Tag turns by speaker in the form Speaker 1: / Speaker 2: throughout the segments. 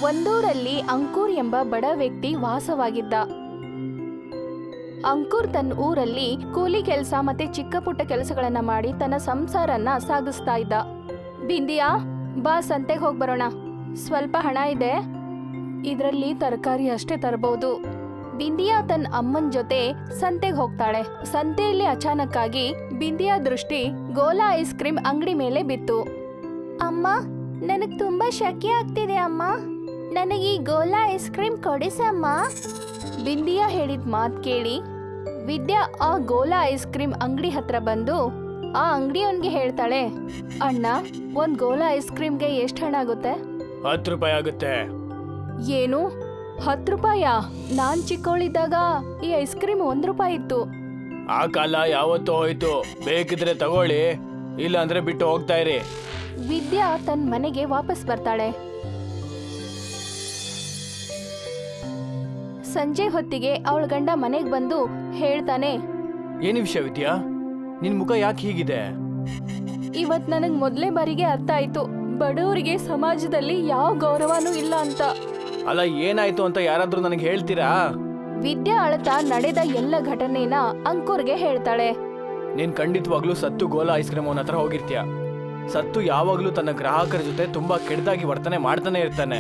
Speaker 1: ಒಂದೂರಲ್ಲಿ ಅಂಕುರ್ ಎಂಬ ಬಡ ವ್ಯಕ್ತಿ ವಾಸವಾಗಿದ್ದ. ಅಂಕುರ್ ತನ್ನ ಊರಲ್ಲಿ ಕೂಲಿ ಕೆಲಸ ಮತ್ತೆ ಚಿಕ್ಕ ಪುಟ್ಟ ಕೆಲಸಗಳನ್ನ ಮಾಡಿ ತನ್ನ ಸಂಸಾರನ ಸಾಗಿಸ್ತಾ ಇದ್ದ. ಬಿಂದಿಯಾ, ಬಾ ಸಂತೆಗೆ ಹೋಗಿ ಬರೋಣ. ಸ್ವಲ್ಪ ಹಣ ಇದೆ, ಇದರಲ್ಲಿ ತರಕಾರಿ ಅಷ್ಟೇ ತರಬಹುದು. ಬಿಂದಿಯಾ ತನ್ನ ಅಮ್ಮನ ಜೊತೆ ಸಂತೆಗೆ ಹೋಗ್ತಾಳೆ. ಸಂತೆಯಲ್ಲಿ ಅಚಾನಕ್ ಆಗಿ ಬಿಂದಿಯಾ ದೃಷ್ಟಿ ಗೋಲಾ ಐಸ್ ಕ್ರೀಮ್ ಅಂಗಡಿ ಮೇಲೆ ಬಿತ್ತು. ಅಮ್ಮ, ನನಗ್ ತುಂಬಾ ಶೆಕೆ ಆಗ್ತಿದೆ ಅಮ್ಮ, ನನಗೆ ಈ ಗೋಲಾ ಐಸ್ ಕ್ರೀಮ್ ಕೊಡಿಸಮ್ಮ. ಬಿಂದಿಯಾ ಹೇಳಿದ ಮಾತು ಕೇಳಿ ವಿದ್ಯಾ ಆ ಗೋಲಾ ಐಸ್ ಕ್ರೀಮ್ ಅಂಗಡಿ ಹತ್ರ ಬಂದು ಆ ಅಂಗಡಿಯವನ್ಗೆ ಹೇಳ್ತಾಳೆ, ಅಣ್ಣ, ಒಂದ್ ಗೋಲಾ ಐಸ್ ಕ್ರೀಮ್ಗೆ ಎಷ್ಟು ಹಣ ಆಗುತ್ತೆ?
Speaker 2: 10 ರೂಪಾಯಿ ಆಗುತ್ತೆ.
Speaker 1: ಏನು, 10 ರೂಪಾಯಾ? ನಾನ್ ಚಿಕ್ಕವಳಿದ್ದಾಗ ಈ ಐಸ್ ಕ್ರೀಮ್ 1 ರೂಪಾಯಿ ಇತ್ತು.
Speaker 2: ಆ ಕಾಲ ಯಾವತ್ತೂ ಹೋಯ್ತು. ಬೇಕಿದ್ರೆ ತಗೊಳ್ಳಿ, ಇಲ್ಲ ಅಂದ್ರೆ ಬಿಟ್ಟು ಹೋಗ್ತಾ ಇರಿ.
Speaker 1: ವಿದ್ಯಾ ತನ್ನ ಮನೆಗೆ ವಾಪಸ್ ಬರ್ತಾಳೆ. ಸಂಜೆ ಹೊತ್ತಿಗೆ ಅವಳ ಗಂಡ ಮನೆಗೆ ಬಂದು ಹೇಳ್ತಾನೆ,
Speaker 2: ಏನು ವಿಷಯ ವಿದ್ಯಾ, ನಿನ್ ಮುಖ ಯಾಕೆ ಹೀಗಿದೆ?
Speaker 1: ಇವತ್ ನನಗ್ ಮೊದಲೇ ಬಾರಿಗೆ ಅರ್ಥ ಆಯ್ತು, ಬಡವರಿಗೆ ಸಮಾಜದಲ್ಲಿ ಯಾವ ಗೌರವನೂ ಇಲ್ಲ ಅಂತ.
Speaker 2: ಅಲ್ಲ, ಏನಾಯ್ತು ಅಂತ ಯಾರಾದ್ರೂ ನನಗೆ ಹೇಳ್ತೀರಾ?
Speaker 1: ವಿದ್ಯಾ ಅಳತಾ ನಡೆದ ಎಲ್ಲ ಘಟನೆನ ಅಂಕುರ್ಗೆ ಹೇಳ್ತಾಳೆ.
Speaker 2: ನೀನ್ ಖಂಡಿತವಾಗ್ಲೂ ಸತ್ತು ಗೋಲಾ ಐಸ್ ಕ್ರೀಮ್ ಅವನ ಹತ್ರ ಹೋಗಿರ್ತೀಯ. ಸತ್ತು ಯಾವಾಗ್ಲೂ ತನ್ನ ಗ್ರಾಹಕರ ಜೊತೆ ತುಂಬಾ ಕೆಟ್ಟದಾಗಿ ವರ್ತನೆ ಮಾಡ್ತಾನೆ ಇರ್ತಾನೆ.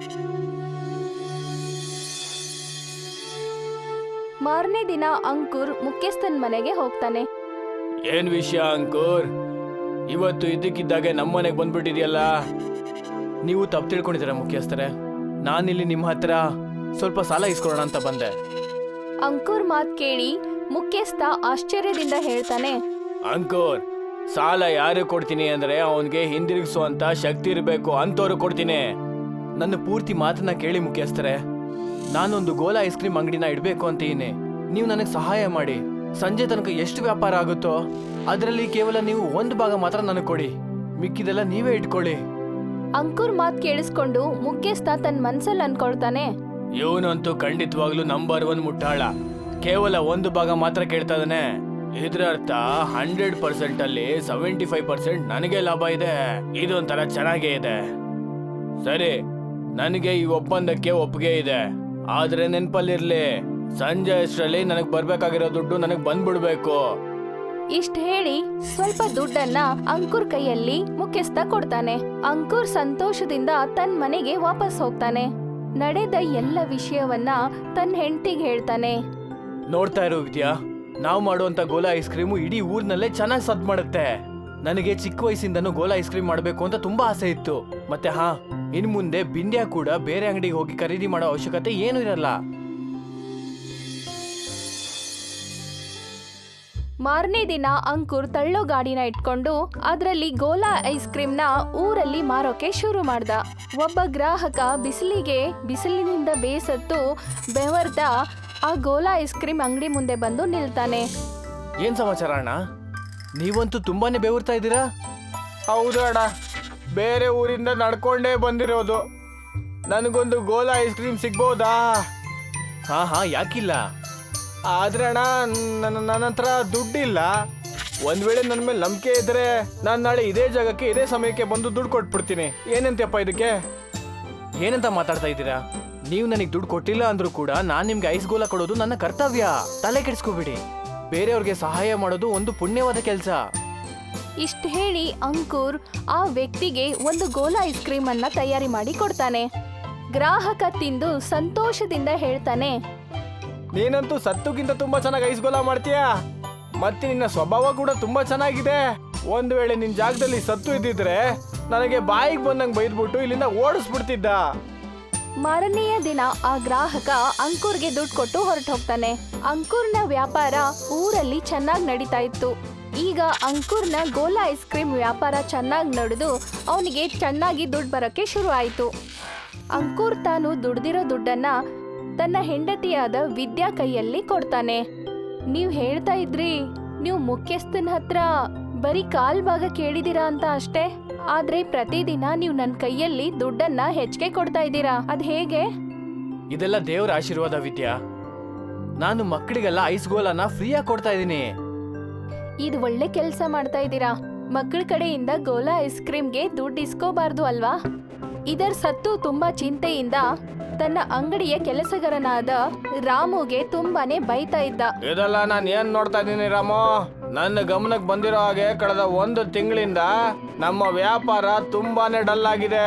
Speaker 1: ಮಾರನೇ ದಿನ ಅಂಕುರ್ ಮುಖ್ಯಸ್ಥನ್ ಮನೆಗೆ ಹೋಗ್ತಾನೆ.
Speaker 2: ಏನ್ ವಿಷಯ ಅಂಕುರ್, ಇವತ್ತು ಇದ್ದಕ್ಕಿದ್ದಾಗೆ ನಮ್ಮನೆಗೆ ಬಂದ್ಬಿಟ್ಟಿದ್ಯಲ್ಲ? ನೀವು ತಪ್ಪು ತಿಳ್ಕೊಂಡಿದ್ದೀರಾ ಮುಖ್ಯಸ್ಥರೇ. ನಾನಿಲ್ಲಿ ನಿಮ್ಮ ಹತ್ರ ಸ್ವಲ್ಪ ಸಾಲ ಇಸ್ಕೊಳ್ಳೋಣ ಅಂತ ಬಂದೆ.
Speaker 1: ಅಂಕುರ್ ಮಾತ್ ಕೇಳಿ ಮುಖ್ಯಸ್ಥ ಆಶ್ಚರ್ಯದಿಂದ ಹೇಳ್ತಾನೆ,
Speaker 2: ಅಂಕುರ್, ಸಾಲ ಯಾರು ಕೊಡ್ತೀನಿ ಅಂದ್ರೆ ಅವನ್ಗೆ ಹಿಂದಿರುಗಿಸುವಂತ ಶಕ್ತಿ ಇರಬೇಕು, ಅಂತವ್ರು ಕೊಡ್ತೀನಿ. ನನ್ನ ಪೂರ್ತಿ ಮಾತನ್ನ ಕೇಳಿ ಮುಖ್ಯಸ್ಥರೇ. ನಾನೊಂದು ಗೋಲಾ ಐಸ್ ಕ್ರೀಮ್ ಅಂಗಡಿನ ಇಡಬೇಕು ಅಂತೀನಿ. ನೀವು ನನಗೆ ಸಹಾಯ ಮಾಡಿ. ಸಂಜೆ ತನಕ ಎಷ್ಟು ವ್ಯಾಪಾರ ಆಗುತ್ತೋ ಅದರಲ್ಲಿ ಕೇವಲ ನೀವು 1 ಭಾಗ ಮಾತ್ರ ನನಗೆ ಕೊಡಿ, ಮಿಕ್ಕಿದೆಲ್ಲ ನೀವೇ ಇಟ್ಕೊಳ್ಳಿ.
Speaker 1: ಅಂಕುರ್ ಮಾತ್ ಕೇಳಿಸ್ಕೊಂಡು ಮುಖ್ಯಸ್ಥ ತನ್ನ ಮನ್ಸಲ್ಲಿ ಅನ್ಕೊಳ್ತಾನೆ,
Speaker 2: ಇವನಂತೂ ಖಂಡಿತವಾಗ್ಲೂ ನಂಬರ್ 1 ಮುಟ್ಟಾಳ. ಕೇವಲ 1 ಭಾಗ ಮಾತ್ರ ಕೇಳ್ತಾ ಇದ್ದಾನೆ. ಇದ್ರ ಅರ್ಥ 100% ಅಲ್ಲಿ 75% ನನಗೆ ಲಾಭ ಇದೆ. ಇದೊಂಥರ ಚೆನ್ನಾಗೇ ಇದೆ. ಸರಿ, ನನಗೆ ಈ ಒಪ್ಪಂದಕ್ಕೆ ಒಪ್ಪಿಗೆ ಇದೆ. ಆದ್ರೆ ನೆನ್ಪಲ್ಲಿರ್ಲಿ, ಸಂಜೆ ಅಷ್ಟರಲ್ಲಿ ನನಗ್ ಬರ್ಬೇಕಾಗಿರೋ ದುಡ್ಡು ನನಗ್ ಬಂದ್ಬಿಡ್ಬೇಕು.
Speaker 1: ಇಷ್ಟ ಹೇಳಿ ಸ್ವಲ್ಪ ದುಡ್ಡನ್ನ ಅಂಕುರ್ ಕೈಯಲ್ಲಿ ಮುಖ್ಯಸ್ಥ ಕೊಡ್ತಾನೆ. ಅಂಕುರ್ ಸಂತೋಷದಿಂದ ತನ್ನ ಮನೆಗೆ ವಾಪಸ್ ಹೋಗ್ತಾನೆ. ನಡೆದ ಎಲ್ಲ ವಿಷಯವನ್ನ ತನ್ನ ಹೆಂಡತಿಗೆ ಹೇಳ್ತಾನೆ.
Speaker 2: ನೋಡ್ತಾ ಇರೋ ವಿದ್ಯಾ, ನಾವು ಮಾಡುವಂತ ಗೋಲಾ ಐಸ್ ಕ್ರೀಮು ಇಡೀ ಊರ್ನಲ್ಲೇ ಚೆನ್ನಾಗಿ ಸದ್ ಮಾಡುತ್ತೆ. ನನಗೆ ಚಿಕ್ಕ ವಯಸ್ಸಿಂದನೂ ಗೋಲಾ ಐಸ್ ಕ್ರೀಮ್ ಮಾಡಬೇಕು ಅಂತ ತುಂಬಾ ಆಸೆ ಇತ್ತು. ಮತ್ತೆ ಇನ್ ಮುಂದೆ ಬಿಂದ್ಯಾ ಕೂಡ ಬೇರೆ ಅಂಗಡಿಗೆ ಹೋಗಿ ಖರೀದಿ ಮಾಡೋ ಅವಶ್ಯಕತೆ ಏನೂ ಇರಲ್ಲ.
Speaker 1: ಮಾರನೇ ದಿನ ಅಂಕುರ್ ತಳ್ಳೋ ಗಾಡಿನ ಇಟ್ಕೊಂಡು ಅದರಲ್ಲಿ ಗೋಲಾ ಐಸ್ ಕ್ರೀಮ್ನ ಊರಲ್ಲಿ ಮಾರೋಕೆ ಶುರು ಮಾಡ್ದ. ಒಬ್ಬ ಗ್ರಾಹಕ ಬಿಸಿಲಿನಿಂದ ಬೇಸತ್ತು ಬೆವರ್ದ ಆ ಗೋಲಾ ಐಸ್ ಕ್ರೀಮ್ ಅಂಗಡಿ ಮುಂದೆ ಬಂದು ನಿಲ್ತಾನೆ.
Speaker 2: ಏನ್ ಸಮಾಚಾರ ಅಣ್ಣ, ನೀವಂತೂ ತುಂಬಾನೇ ಬೆವರ್ತಾ ಇದ್ದೀರಾ? ಹೌದು ಅಣ್ಣ, ಬೇರೆ ಊರಿಂದ ನಡ್ಕೊಂಡೇ ಬಂದಿರೋದು. ನನಗೊಂದು ಗೋಲಾ ಐಸ್ ಕ್ರೀಮ್ ಸಿಗ್ಬೋದಾ? ಹಾ, ಯಾಕಿಲ್ಲ? ಆದ್ರೆ ಅಣ್ಣ, ನನ್ನ ಹತ್ರ ದುಡ್ಡಿಲ್ಲ. ಒಂದ್ ವೇಳೆ ನನ್ನ ಮೇಲೆ ನಂಬಿಕೆ ಇದ್ರೆ ನಾನು ನಾಳೆ ಇದೇ ಜಾಗಕ್ಕೆ ಇದೇ ಸಮಯಕ್ಕೆ ಬಂದು ದುಡ್ಡು ಕೊಟ್ಬಿಡ್ತೀನಿ. ಏನಂತಪ್ಪ ಇದಕ್ಕೆ? ಏನಂತ ಮಾತಾಡ್ತಾ ಇದ್ದೀರಾ? ನೀವು ನನಗೆ ದುಡ್ಡು ಕೊಟ್ಟಿಲ್ಲ ಅಂದ್ರೂ ಕೂಡ ನಾನು ನಿಮ್ಗೆ ಐಸ್ ಗೋಲಾ ಕೊಡೋದು ನನ್ನ ಕರ್ತವ್ಯ. ತಲೆ ಕೆಡಿಸ್ಕೋಬಿಡಿ. ಬೇರೆಯವ್ರಿಗೆ ಸಹಾಯ ಮಾಡೋದು ಒಂದು ಪುಣ್ಯವಾದ ಕೆಲಸ.
Speaker 1: ಇಷ್ಟ ಹೇಳಿ ಅಂಕುರ್ ಆ ವ್ಯಕ್ತಿಗೆ ಒಂದು ಗೋಲಾ ಐಸ್ ಕ್ರೀಮ್ ಅನ್ನ ತಯಾರಿ ಮಾಡಿ ಕೊಡ್ತಾನೆ. ಗ್ರಾಹಕ ತಿಂದು ಸಂತೋಷದಿಂದ ಹೇಳ್ತಾನೆ,
Speaker 2: ನೀನಂತೂ ಸತ್ತುಗಿಂತ ತುಂಬಾ ಚೆನ್ನಾಗಿ ಐಸ್ ಗೋಲಾ ಮಾಡ್ತೀಯಾ. ಮತ್ತೆ ನಿನ್ನ ಸ್ವಭಾವ ಕೂಡ ತುಂಬಾ ಚೆನ್ನಾಗಿದೆ. ಒಂದ್ ವೇಳೆ ನಿನ್ ಜಾಗದಲ್ಲಿ ಸತ್ತು ಇದ್ದಿದ್ರೆ ನನಗೆ ಬಾಯಿಗೆ ಬಂದಂಗ್ ಬೈದ್ಬಿಟ್ಟು ಇಲ್ಲಿಂದ ಓಡಿಸ್ಬಿಡ್ತಿದ್ದ.
Speaker 1: ಮಾರನೆಯ ದಿನ ಆ ಗ್ರಾಹಕ ಅಂಕುರ್ಗೆ ದುಡ್ಡು ಕೊಟ್ಟು ಹೊರಟು ಹೋಗ್ತಾನೆ. ಅಂಕುರ್ನ ವ್ಯಾಪಾರ ಊರಲ್ಲಿ ಚೆನ್ನಾಗಿ ನಡೀತಾ ಇತ್ತು. ಈಗ ಅಂಕುರ್ನ ಗೋಲಾ ಐಸ್ ಕ್ರೀಮ್ ವ್ಯಾಪಾರ ಚೆನ್ನಾಗಿ ನಡೆದು ಅವನಿಗೆ ಚೆನ್ನಾಗಿ ದುಡ್ಡು ಬರೋಕ್ಕೆ ಶುರು ಆಯಿತು. ಅಂಕುರ್ ತಾನು ದುಡ್ದಿರೋ ದುಡ್ಡನ್ನ ತನ್ನ ಹೆಂಡತಿಯಾದ ವಿದ್ಯಾ ಕೈಯಲ್ಲಿ ಕೊಡ್ತಾನೆ. ನೀವು ಹೇಳ್ತಾ ಇದ್ರಿ, ನೀವು ಮುಖ್ಯಸ್ಥನ ಹತ್ರ ಬರೀ ಕಾಲ್ ಭಾಗ ಕೇಳಿದೀರಾ ಅಂತ ಅಷ್ಟೇ. ಆದ್ರೆ ಪ್ರತಿದಿನ ನೀವು ನನ್ನ ಕೈಯಲ್ಲಿ ದುಡ್ಡನ್ನ ಹೆಚ್ಚಿಗೆ ಕೊಡ್ತಾ ಇದ್ದೀರಾ, ಅದ್ ಹೇಗೆ?
Speaker 2: ಇದೆಲ್ಲ ದೇವರ ಆಶೀರ್ವಾದ ವಿದ್ಯಾ. ನಾನು ಮಕ್ಕಳಿಗೆಲ್ಲ ಐಸ್ ಗೋಲಾನ ಫ್ರೀಯಾಗಿ ಕೊಡ್ತಾ ಇದ್ದೀನಿ.
Speaker 1: ಇದು ಒಳ್ಳೆ ಕೆಲಸ ಮಾಡ್ತಾ ಇದ್ದೀರಾ. ಮಕ್ಕಳ ಕಡೆಯಿಂದ ಗೋಲಾ ಐಸ್ ಕ್ರೀಮ್ಗೆ ದುಡ್ಡು ಇಸ್ಕೋಬಾರ್ದು ಅಲ್ವಾ? ಇದರ ಸತ್ತು ತುಂಬಾ ಚಿಂತೆಯಿಂದ ತನ್ನ ಅಂಗಡಿಯ ಕೆಲಸಗಾರನಾದ ರಾಮುಗೆ ತುಂಬಾನೇ ಬೈತಾ ಇದ್ದ.
Speaker 2: ಇದೆಲ್ಲ ನಾನು ಏನ್ ನೋಡ್ತಾ ಇದ್ದೀನಿ ರಾಮು, ನನ್ನ ಗಮನಕ್ಕೆ ಬಂದಿರೋ ಹಾಗೆ ಕಳೆದ 1 ತಿಂಗಳಿಂದ ನಮ್ಮ ವ್ಯಾಪಾರ ತುಂಬಾನೇ ಡಲ್ ಆಗಿದೆ.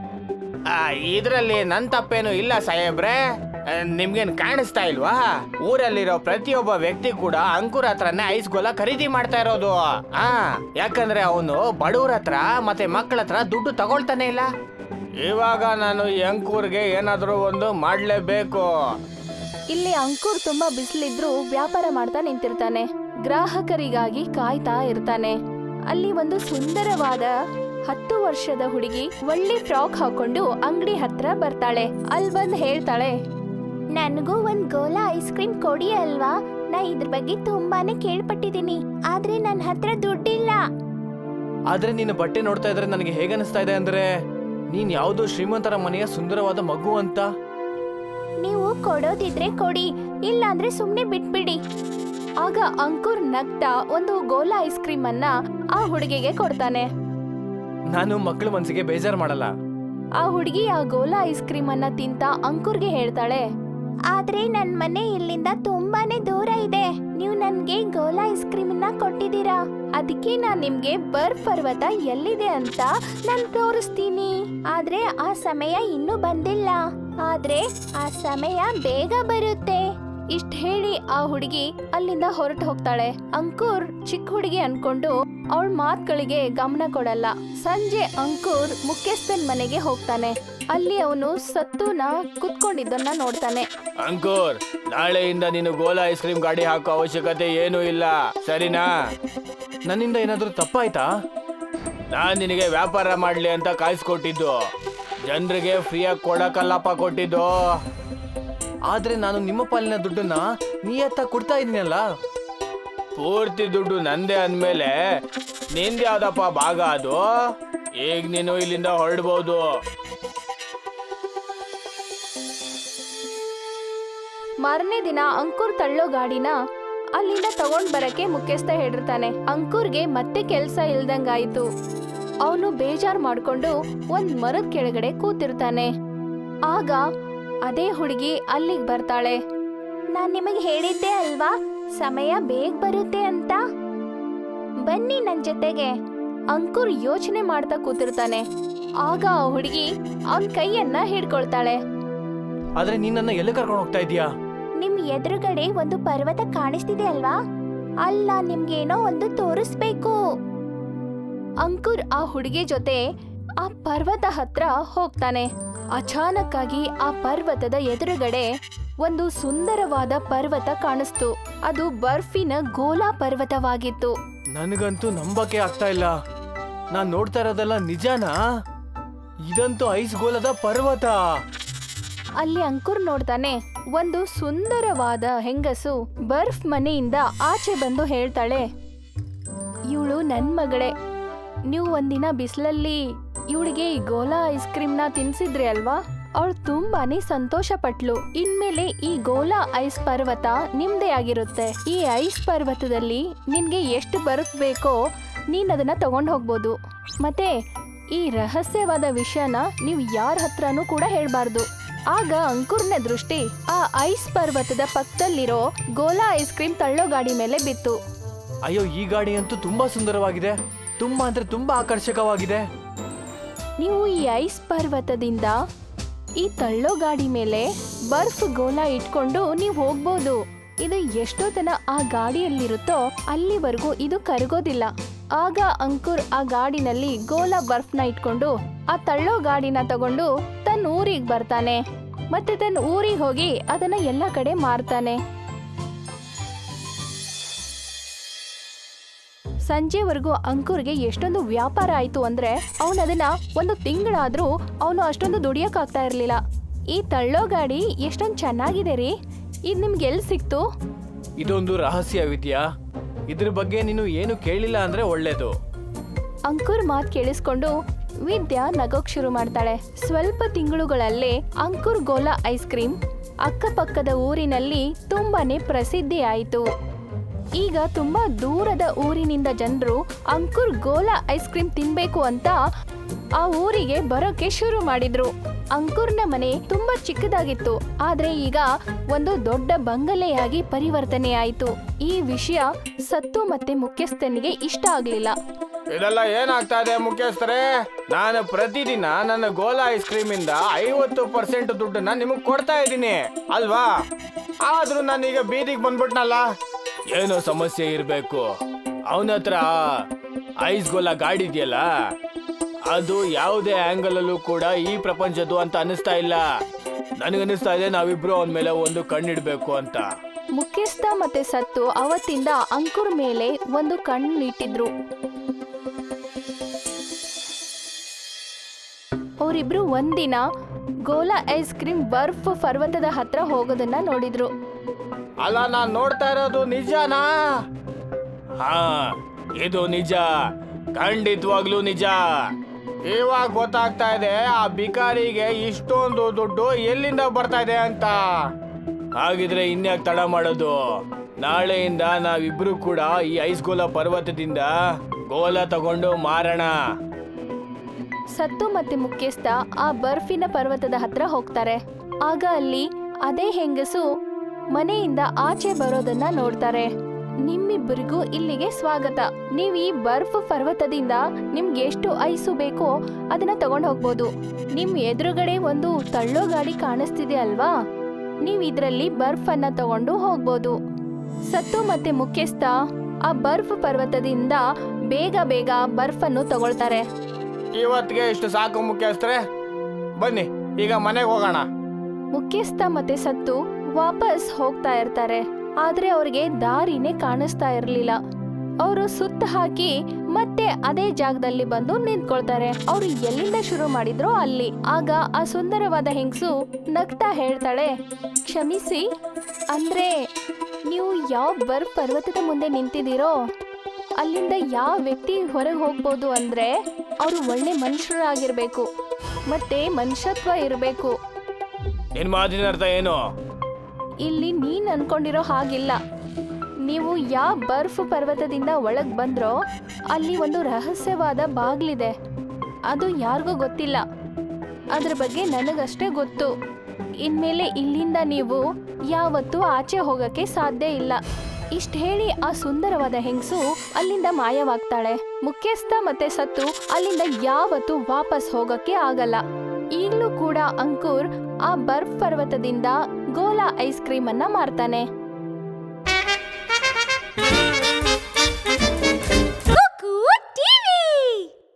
Speaker 2: ಇದ್ರಲ್ಲಿ ನನ್ ತಪ್ಪೇನು ಇಲ್ಲ ಸಾಹೇಬ್ರೆ, ನಿಮ್ಗೇನ್ ಕಾಣಿಸ್ತಾ ಇಲ್ವಾ? ಊರಲ್ಲಿರೋ ಪ್ರತಿಯೊಬ್ಬ ವ್ಯಕ್ತಿ ಕೂಡ ಅಂಕುರ್ ಹತ್ರನೇ ಐಸ್ ಗೋಲ ಖರೀದಿ ಮಾಡ್ತಾ ಇರೋದು. ಯಾಕಂದ್ರೆ ಅವನು ಬಡವ್ರ ಹತ್ರ ಮತ್ತೆ ಮಕ್ಕಳ ಹತ್ರ ದುಡ್ಡು ತಗೊಳ್ತಾನೆ ಇಲ್ಲ. ಇವಾಗ ನಾನು ಈ ಅಂಕೂರ್ಗೆ ಏನಾದ್ರೂ ಒಂದು ಮಾಡ್ಲೇಬೇಕು.
Speaker 1: ಇಲ್ಲಿ ಅಂಕುರ್ ತುಂಬಾ ಬಿಸಿಲಿದ್ರು ವ್ಯಾಪಾರ ಮಾಡ್ತಾ ನಿಂತಿರ್ತಾನೆ. ಗ್ರಾಹಕರಿಗಾಗಿ ಕಾಯ್ತಾ ಇರ್ತಾನೆ. ಅಲ್ಲಿ ಒಂದು ಸುಂದರವಾದ 10 ವರ್ಷದ ಹುಡುಗಿ ಒಳ್ಳೆ ಫ್ರಾಕ್ ಹಾಕೊಂಡು ಅಂಗಡಿ ಹತ್ರ ಬರ್ತಾಳೆ. ಅಲ್ಲಿ ಬಂದ್ ಹೇಳ್ತಾಳೆ, ನನಗೂ ಒಂದ್ ಗೋಲಾ ಐಸ್ ಕ್ರೀಮ್ ಕೊಡಿ ಅಲ್ವಾ, ನಾ ಇದ್ರ ಬಗ್ಗೆ ತುಂಬಾನೇ ಕೇಳ್ಪಟ್ಟಿದೀನಿ, ಆದ್ರೆ ನನ್ನ ಹತ್ರ ದುಡ್ಡಿಲ್ಲ.
Speaker 2: ಆದ್ರೆ ನೀನು ಬಟ್ಟೆ ನೋಡ್ತಾ ಇದ್ರೆ ನನಗೆ ಹೇಗನ್ನಿಸ್ತಾ ಇದೆ ಅಂದ್ರೆ ನೀನ್ ಯಾವ್ದೋ ಶ್ರೀಮಂತರ ಮನೆಯ ಸುಂದರವಾದ ಮಗು ಅಂತ.
Speaker 1: ನೀವು ಕೊಡೋದಿದ್ರೆ ಕೊಡಿ, ಇಲ್ಲಾಂದ್ರೆ ಸುಮ್ನೆ ಬಿಟ್ಬಿಡಿ. ಆಗ ಅಂಕುರ್ ನಗ್ತಾ ಒಂದು ಗೋಲಾ ಐಸ್ ಕ್ರೀಮ್ ಅನ್ನ ಆ ಹುಡುಗಿಗೆ ಕೊಡ್ತಾನೆ.
Speaker 2: ನಾನು ಮಕ್ಕಳ ಮನ್ಸಿಗೆ ಬೇಜಾರ್ ಮಾಡಲ್ಲ.
Speaker 1: ಆ ಹುಡುಗಿ ಆ ಗೋಲಾ ಐಸ್ ಕ್ರೀಮ್ ಅನ್ನ ತಿಂತ ಅಂಕುರ್ಗೆ ಹೇಳ್ತಾಳೆ, ಆದ್ರೆ ನನ್ ಮನೆ ಇಲ್ಲಿಂದ ತುಂಬಾನೇ ದೂರ ಇದೆ, ನೀವು ನನ್ಗೆ ಗೋಲಾ ಐಸ್ ಕ್ರೀಮ್ ನ ಕೊಟ್ಟಿದ್ದೀರಾ, ಅದಕ್ಕೆ ನಾನ್ ನಿಮ್ಗೆ ಬರ್ಫ್ ಪರ್ವತ ಎಲ್ಲಿದೆ ಅಂತ ನಾನ್ ತೋರಿಸ್ತೀನಿ. ಆದ್ರೆ ಆ ಸಮಯ ಇನ್ನೂ ಬಂದಿಲ್ಲ, ಆದ್ರೆ ಆ ಸಮಯ ಬೇಗ ಬರುತ್ತೆ. ಇಷ್ಟ ಹೇಳಿ ಆ ಹುಡುಗಿ ಅಲ್ಲಿಂದ ಹೊರಟು ಹೋಗ್ತಾಳೆ. ಅಂಕುರ್ ಚಿಕ್ಕ ಹುಡುಗಿ ಅನ್ಕೊಂಡು ಅವಳ ಮಾತುಗಳಿಗೆ ಗಮನ ಕೊಡಲ್ಲ. ಸಂಜೆ ಅಂಕುರ್ ಮುಖ್ಯಸ್ಥನ್ ಮನೆಗೆ ಹೋಗ್ತಾನೆ. ಅಲ್ಲಿ ಅವನು ಸತ್ತುನ ಕುತ್ಕೊಂಡಿದ್ದನ್ನ ನೋಡ್ತಾನೆ.
Speaker 2: ಅಂಕುರ್, ನಾಳೆಯಿಂದ ನೀನು ಗೋಲಾ ಐಸ್ ಕ್ರೀಮ್ ಗಾಡಿ ಹಾಕೋ ಅವಶ್ಯಕತೆ ಏನೂ ಇಲ್ಲ, ಸರಿನಾ? ನನ್ನಿಂದ ಏನಾದ್ರೂ ತಪ್ಪಾಯ್ತಾ? ನಾನ್ ನಿನಗೆ ವ್ಯಾಪಾರ ಮಾಡ್ಲಿ ಅಂತ ಕಾಯಿಸ್ಕೊಟ್ಟಿದ್ದು, ಜನರಿಗೆ ಫ್ರೀಯಾಗಿ ಕೊಡಕಲ್ಲಪ್ಪ ಕೊಟ್ಟಿದ್ದು. ಆದ್ರೆ ನಾನು ನಿಮ್ಮ ಪಾಲಿನ ದುಡ್ಡನ್ನ ನೀಯತ್ತ ಕೊಡ್ತಾ ಇದ್ದೀನಲ್ಲ. ಪೂರ್ತಿ ದುಡ್ಡು ನಂದೇ ಅಂದ್ಮೇಲೆ ನಿಂದ ಯಾವ್ದಪ್ಪ ಭಾಗ ಅದು? ಈಗ ನೀನು ಇಲ್ಲಿಂದ ಹೊರಡ್ಬೋದು.
Speaker 1: ಮಾರನೇ ದಿನ ಅಂಕುರ್ ತಳ್ಳೋ ಗಾಡಿನ ಅಲ್ಲಿಂದ ತಗೊಂಡ್ ಬರಕ್ಕೆ ಮುಖ್ಯಸ್ಥ ಹೇಳಿರ್ತಾನೆ. ಅಂಕುರ್ಗೆ ಮತ್ತೆ ಕೆಲ್ಸ ಇಲ್ದಂಗಾಯ್ತು. ಅವನು ಬೇಜಾರ್ ಮಾಡ್ಕೊಂಡು ಒಂದ್ ಮರದ ಕೆಳಗಡೆ ಕೂತಿರ್ತಾನೆ. ಆಗ ಅದೇ ಹುಡುಗಿ ಅಲ್ಲಿಗೆ ಬರ್ತಾಳೆ. ನಾನ್ ನಿಮಗೆ ಹೇಳಿದ್ದೆ ಅಲ್ವಾ ಸಮಯ ಬೇಗ ಬರುತ್ತೆ ಅಂತ, ಬನ್ನಿ ನನ್ ಜೊತೆಗೆ. ಅಂಕುರ್ ಯೋಚನೆ ಮಾಡ್ತಾ ಕೂತಿರ್ತಾನೆ. ಆಗ ಆ ಹುಡುಗಿ ಅವನ್ ಕೈಯನ್ನ ಹಿಡ್ಕೊಳ್ತಾಳೆ.
Speaker 2: ಆದ್ರೆ ನೀನನ್ನ ಎಲ್ಲಿ ಕರ್ಕೊಂಡು ಹೋಗ್ತಾ ಇದೀಯಾ?
Speaker 1: ನಿಮ್ ಎದುರುಗಡೆ ಒಂದು ಪರ್ವತ ಕಾಣಿಸ್ತಿದೆ ಅಲ್ವಾ, ಅಲ್ಲ ನಿಮ್ಗೇನೋ ಒಂದು ತೋರಿಸ್ಬೇಕು. ಅಂಕುರ್ ಆ ಹುಡುಗಿ ಜೊತೆ ಆ ಪರ್ವತ ಹತ್ರ ಹೋಗ್ತಾನೆ. ಅಚಾನಕ್ ಆಗಿ ಆ ಪರ್ವತದ ಎದುರುಗಡೆ ಒಂದು ಸುಂದರವಾದ ಪರ್ವತ ಕಾಣಿಸ್ತು. ಅದು ಬರ್ಫಿನ ಗೋಲಾ ಪರ್ವತವಾಗಿತ್ತು.
Speaker 2: ನನಗಂತೂ ನಂಬಕ್ಕೆ ಆಗ್ತಾ ಇಲ್ಲ. ನಾನ್ ನೋಡ್ತಾ ಇರೋದೆಲ್ಲ ನಿಜಾನಾ? ಇದಂತೂ ಐಸ್ ಗೋಲದ ಪರ್ವತ.
Speaker 1: ಅಲ್ಲಿ ಅಂಕುರ್ ನೋಡ್ತಾನೆ, ಒಂದು ಸುಂದರವಾದ ಹೆಂಗಸು ಬರ್ಫ್ ಮನೆಯಿಂದ ಆಚೆ ಬಂದು ಹೇಳ್ತಾಳೆ, ಇವಳು ನನ್ ಮಗಳೇ. ನೀವು ಒಂದಿನ ಬಿಸಿಲಲ್ಲಿ ಇವಳಿಗೆ ಈ ಗೋಲಾ ಐಸ್ ಕ್ರೀಮ್ನ ತಿನ್ಸಿದ್ರಿ ಅಲ್ವಾ, ಅವಳು ತುಂಬಾನೇ ಸಂತೋಷ ಪಟ್ಲು. ಇನ್ಮೇಲೆ ಈ ಗೋಲಾ ಐಸ್ ಪರ್ವತ ನಿಮ್ದೇ ಆಗಿರುತ್ತೆ. ಈ ಐಸ್ ಪರ್ವತದಲ್ಲಿ ನಿನ್ಗೆ ಎಷ್ಟು ಬರ್ಫ್ ಬೇಕೋ ನೀನ್ ಅದನ್ನ ತಗೊಂಡ್ ಹೋಗ್ಬೋದು. ಮತ್ತೆ ಈ ರಹಸ್ಯವಾದ ವಿಷಯನ ನೀವು ಯಾರ ಹತ್ರನೂ ಕೂಡ ಹೇಳ್ಬಾರ್ದು. ಆಗ ಅಂಕುರ್ನ ದೃಷ್ಟಿ ಆ ಐಸ್ ಪರ್ವತದ ಪಕ್ಕದಲ್ಲಿರೋ ಗೋಲಾ ಐಸ್ ಕ್ರೀಮ್ ತಳ್ಳೋ ಗಾಡಿ ಮೇಲೆ ಬಿತ್ತು.
Speaker 2: ಅಯ್ಯೋ, ಈ ಗಾಡಿ ಅಂತೂ ತುಂಬಾ ಸುಂದರವಾಗಿದೆ, ತುಂಬಾ ಅಂದ್ರೆ ತುಂಬಾ ಆಕರ್ಷಕವಾಗಿದೆ.
Speaker 1: ನೀವು ಈ ಐಸ್ ಪರ್ವತದಿಂದ ಈ ತಳ್ಳೋ ಗಾಡಿ ಮೇಲೆ ಬರ್ಫ್ ಗೋಲಾ ಇಟ್ಕೊಂಡು ನೀವು ಹೋಗ್ಬೋದು. ಇದು ಎಷ್ಟೊತ್ತನ ಆ ಗಾಡಿಯಲ್ಲಿರುತ್ತೋ ಅಲ್ಲಿವರೆಗೂ ಇದು ಕರಗೋದಿಲ್ಲ. ಆಗ ಅಂಕುರ್ ಆ ಗಾಡಿನಲ್ಲಿ ಗೋಲಾ ಬರ್ಫ್ನ ಇಟ್ಕೊಂಡು ಆ ತಳ್ಳೋ ಗಾಡಿನ ತಗೊಂಡು ತನ್ನ ಊರಿಗೆ ಬರ್ತಾನೆ. ಮತ್ತೆ ತನ್ನ ಊರಿಗೆ ಹೋಗಿ ಅದನ್ನ ಎಲ್ಲ ಕಡೆ ಮಾರ್ತಾನೆ. ಸಂಜೆವರೆಗೂ ಅಂಕುರ್ಗೆ ಎಷ್ಟೊಂದು ವ್ಯಾಪಾರ ಆಯ್ತು ಅಂದ್ರೆ ಅವನು ಅದನ್ನ 1 ತಿಂಗಳಾದ್ರೂ ಅವನು ಅಷ್ಟೊಂದು ದುಡಿಯಕ್ಕಾಗ್ತಾ ಇರ್ಲಿಲ್ಲ. ಈ ತಳ್ಳೋ ಗಾಡಿ ಎಷ್ಟೊಂದು ಚೆನ್ನಾಗಿದೆ ರೀ, ಇದು ನಿಮ್ಗೆ ಎಲ್ಲಿ ಸಿಕ್ತು?
Speaker 2: ಇದೊಂದು ರಹಸ್ಯ ವಿದ್ಯಾ, ಇದ್ರ ಬಗ್ಗೆ ನೀನು ಏನು ಕೇಳಿಲ್ಲ ಅಂದ್ರೆ ಒಳ್ಳೇದು.
Speaker 1: ಅಂಕುರ್ ಮಾತು ಕೇಳಿಸ್ಕೊಂಡು ವಿದ್ಯಾ ನಗೋಕ್ ಶುರು ಮಾಡ್ತಾಳೆ. ಸ್ವಲ್ಪ ತಿಂಗಳುಗಳಲ್ಲೇ ಅಂಕುರ್ ಗೋಲಾ ಐಸ್ ಕ್ರೀಮ್ ಅಕ್ಕಪಕ್ಕದ ಊರಿನಲ್ಲಿ ತುಂಬಾನೇ ಪ್ರಸಿದ್ಧಿ ಆಯಿತು. ಈಗ ತುಂಬಾ ದೂರದ ಊರಿನಿಂದ ಜನರು ಅಂಕುರ್ ಗೋಲಾ ಐಸ್ ಕ್ರೀಮ್ ತಿನ್ಬೇಕು ಅಂತ ಆ ಊರಿಗೆ ಬರೋಕೆ ಶುರು ಮಾಡಿದ್ರು. ಅಂಕುರ್ನ ಮನೆ ತುಂಬಾ ಚಿಕ್ಕದಾಗಿತ್ತು, ಆದ್ರೆ ಈಗ ಒಂದು ದೊಡ್ಡ ಬಂಗಲೆಯಾಗಿ ಪರಿವರ್ತನೆಯಾಯಿತು. ಈ ವಿಷಯ ಸತ್ತು ಮತ್ತೆ ಮುಖ್ಯಸ್ಥನಿಗೆ ಇಷ್ಟ ಆಗ್ಲಿಲ್ಲ.
Speaker 2: ಇದೆಲ್ಲ ಏನಾಗ್ತಾ ಇದೆ ಮುಖ್ಯಸ್ಥರೇ? ನಾನು ಪ್ರತಿದಿನ ನನ್ನ ಗೋಲಾ ಐಸ್ ಕ್ರೀಮ್ ಇಂದ 50% ದುಡ್ಡನ್ನ ನಿಮಗ್ ಕೊಡ್ತಾ ಇದ್ದೀನಿ ಅಲ್ವಾ? ಆದ್ರೂ ನಾನೀಗ ಬೀದಿಗೆ ಬಂದ್ಬಿಟ್ನಲ್ಲ. ಏನೋ ಸಮಸ್ಯೆ ಇರ್ಬೇಕು. ಅವನ ಹತ್ರ ಐಸ್ ಗೋಲಾ ಗಾಡಿ ಇದೆಯಲ್ಲ, ಅದು ಯಾವುದೇ ಆಂಗಲ್ ಅಲ್ಲೂ ಕೂಡ ಈ ಪ್ರಪಂಚದ್ದು ಅಂತ ಅನಿಸ್ತಾ ಇಲ್ಲ. ನನಗನ್ನಿಸ್ತಾ ಇದೆ ನಾವಿಬ್ರು ಅವನ ಮೇಲೆ ಒಂದು ಕಣ್ಣಿಡ್ಬೇಕು ಅಂತ.
Speaker 1: ಮುಖ್ಯಸ್ಥ ಮತ್ತೆ ಸತ್ತು ಅವತ್ತಿಂದ ಅಂಕುರ್ ಮೇಲೆ ಒಂದು ಕಣ್ಣಿಟ್ಟಿದ್ರು. ಅವರಿಬ್ರು ಒಂದಿನ ಗೋಲಾ ಐಸ್ ಕ್ರೀಮ್ ಬರ್ಫ್ ಪರ್ವತದ ಹತ್ರ ಹೋಗೋದನ್ನ ನೋಡಿದ್ರು.
Speaker 2: ಅಲ್ಲ, ನಾನ್ ನೋಡ್ತಾ ಇರೋದು ನಿಜನಾ? ಹಾ, ಇದು ನಿಜ, ಖಂಡಿತವಾಗ್ಲೂ ನಿಜ. ಇವಾಗ ಗೊತ್ತಾಗ್ತಾ ಇದೆ ಆ ಬಿಕಾರಿಗೆ ಇಷ್ಟೊಂದು ದುಡ್ಡು ಎಲ್ಲಿಂದ ಬರ್ತಾ ಇದೆ ಅಂತ. ಹಾಗಿದ್ರೆ ಇನ್ಯಾಕೆ ತಡ ಮಾಡೋದು? ನಾಳೆಯಿಂದ ನಾವಿಬ್ರು ಕೂಡ ಈ ಐಸ್ ಗೋಲಾ ಪರ್ವತದಿಂದ ಗೋಲಾ ತಗೊಂಡು ಮಾರೋಣ.
Speaker 1: ಸತ್ತು ಮತ್ತೆ ಮುಖ್ಯಸ್ಥ ಆ ಬರ್ಫಿನ ಪರ್ವತದ ಹತ್ರ ಹೋಗ್ತಾರೆ. ಆಗ ಅಲ್ಲಿ ಅದೇ ಹೆಂಗಸು ಮನೆಯಿಂದ ಆಚೆ ಬರೋದನ್ನ ನೋಡ್ತಾರೆ. ನಿಮ್ಮಿಬ್ಬರಿಗೂ ಇಲ್ಲಿಗೆ ಸ್ವಾಗತ. ನೀವ್ ಈ ಬರ್ಫ್ ಪರ್ವತದಿಂದ ನಿಮ್ಗೆ ಎಷ್ಟು ಐಸು ಬೇಕೋ ಅದನ್ನ ತಗೊಂಡ್ ಹೋಗ್ಬೋದು. ನಿಮ್ ಎದುರುಗಡೆ ಒಂದು ತಳ್ಳೋ ಗಾಡಿ ಕಾಣಿಸ್ತಿದೆ ಅಲ್ವಾ? ನೀವ್ ಇದ್ರಲ್ಲಿ ಬರ್ಫ್ ಅನ್ನ ತಗೊಂಡು ಹೋಗ್ಬೋದು. ಸತ್ತು ಮತ್ತೆ ಮುಖ್ಯಸ್ಥ ಆ ಬರ್ಫ್ ಪರ್ವತದಿಂದ ಬೇಗ ಬೇಗ ಬರ್ಫ್ ಅನ್ನು ತಗೊಳ್ತಾರೆ.
Speaker 2: ಇವತ್ತಿಗೆ ಇಷ್ಟು ಸಾಕು ಮುಖ್ಯಸ್ಥರೇ, ಬನ್ನಿ ಈಗ ಮನೆಗೆ ಹೋಗೋಣ.
Speaker 1: ಮುಖ್ಯಸ್ಥ ಮತ್ತೆ ಸತ್ತು ವಾಪಸ್ ಹೋಗ್ತಾ ಇರ್ತಾರೆ. ಆದ್ರೆ ಅವ್ರಿಗೆ ದಾರಿನೇ ಕಾಣಿಸ್ತಾ ಇರ್ಲಿಲ್ಲ. ಅವರು ಸುತ್ತ ಹಾಕಿ ಮತ್ತೆ ಅದೇ ಜಾಗದಲ್ಲಿ ಬಂದು ನಿಂತ್ಕೊಳ್ತಾರೆ. ಅವ್ರು ಎಲ್ಲಿಂದ ಶುರು ಮಾಡಿದ್ರೋ ಅಲ್ಲಿ. ಆಗ ಆ ಸುಂದರವಾದ ಹೆಂಗಸು ನಗ್ತಾ ಹೇಳ್ತಾಳೆ, ಕ್ಷಮಿಸಿ, ಅಂದ್ರೆ ನೀವು ಯಾವ ಬರ್ಫ್ ಪರ್ವತದ ಮುಂದೆ ನಿಂತಿದ್ದೀರೋ ಅಲ್ಲಿಂದ ಯಾವ ವ್ಯಕ್ತಿ ಹೊರಗೆ ಹೋಗ್ಬೋದು ಅಂದ್ರೆ ಅವರು ಒಳ್ಳೆ ಮನುಷ್ಯರಾಗಿರ್ಬೇಕು ಮತ್ತೆ ಮನುಷ್ಯತ್ವ ಇರಬೇಕು.
Speaker 2: ನಿನ್ ಮಾತಿನ ಅರ್ಥ ಏನು?
Speaker 1: ಇಲ್ಲಿ ನೀನ್ ಅನ್ಕೊಂಡಿರೋ ಹಾಗಿಲ್ಲ. ನೀವು ಯಾವ ಬರ್ಫ್ ಪರ್ವತದಿಂದ ಒಳಗ್ ಬಂದ್ರೋ ಅಲ್ಲಿ ಒಂದು ರಹಸ್ಯವಾದ ಬಾಗ್ಲಿದೆ. ಅದು ಯಾರಿಗೂ ಗೊತ್ತಿಲ್ಲ. ಅದ್ರ ಬಗ್ಗೆ ನನಗಷ್ಟೇ ಗೊತ್ತು. ಇನ್ಮೇಲೆ ಇಲ್ಲಿಂದ ನೀವು ಯಾವತ್ತೂ ಆಚೆ ಹೋಗಕ್ಕೆ ಸಾಧ್ಯ ಇಲ್ಲ. ಇಷ್ಟ ಹೇಳಿ ಆ ಸುಂದರವಾದ ಹೆಂಗಸು ಅಲ್ಲಿಂದ ಮಾಯವಾಗ್ತಾಳೆ. ಮುಖ್ಯಸ್ಥ ಮತ್ತೆ ಸತ್ತು ಅಲ್ಲಿಂದ ಯಾವತ್ತೂ ವಾಪಸ್ ಹೋಗಕ್ಕೆ ಆಗಲ್ಲ. ಈಗಲೂ ಕೂಡ ಅಂಕುರ್ ಆ ಬರ್ಫ್ ಪರ್ವತದಿಂದ ಗೋಲಾ ಐಸ್ ಕ್ರೀಮ್ ಅನ್ನ ಮಾರ್ತಾನೆ.